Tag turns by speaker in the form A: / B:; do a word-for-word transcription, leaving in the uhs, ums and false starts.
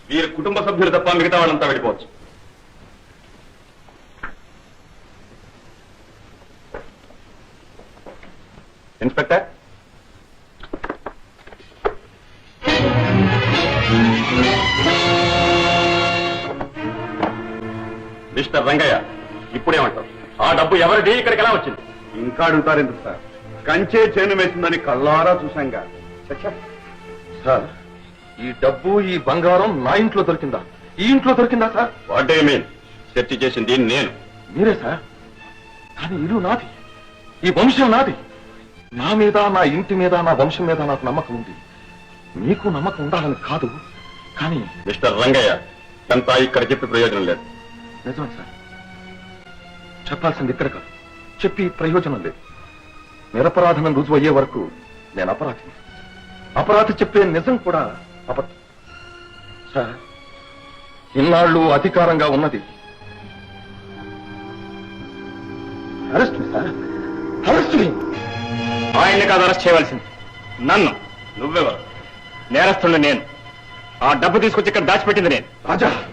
A: వీరి కుటుంబ సభ్యులు తప్ప మిగతా వాళ్ళంతా వెళ్ళిపోవచ్చు. ఇన్స్పెక్టర్, మిస్టర్ రంగయ్య, ఇప్పుడేమంటారు? ఆ డబ్బు ఎవరిది, ఇక్కడికి ఎలా వచ్చింది?
B: ఇంకా అడుగుతారు ఎందుకు సార్? కంచే చేను వేసిందని కళ్ళారా చూశాంగా.
C: సార్, ఈ డబ్బు ఈ బంగారం నా ఇంట్లో దొరికిందా? ఈ ఇంట్లో దొరికిందా sir?
A: What do you mean? Search చేసింది నేను.
C: మీరే సార్, కానీ ఇల్లు నాది, ఈ వంశం నాది. నా మీద, నా ఇంటి మీద, నా వంశం మీద నాకు నమ్మకం ఉంది. మీకు నమ్మకం ఉండాలని కాదు, కానీ
A: మిస్టర్ రంగయ్య, అంతా ఇక్కడ చెప్పి ప్రయోజనం లేదు.
C: నిజమే సార్, చెప్పాల్సింది ఇక్కడ కాదు, చెప్పి ప్రయోజనం లేదు. నిరపరాధనం రుజువు అయ్యే వరకు నేను అపరాధిని. అపరాధి చెప్పే నిజం కూడా అబద్ధం. సార్, ఇన్నాళ్ళు అధికారంగా ఉన్నది arrest me sir, arrest me.
A: ఆయన్ని కాదు అరెస్ట్ చేయవలసింది, నన్ను. నువ్వెవరు? నేరస్తుడు నేను. ఆ డబ్బు తీసుకొచ్చి ఇక్కడ దాచిపెట్టింది నేను.
C: రాజా,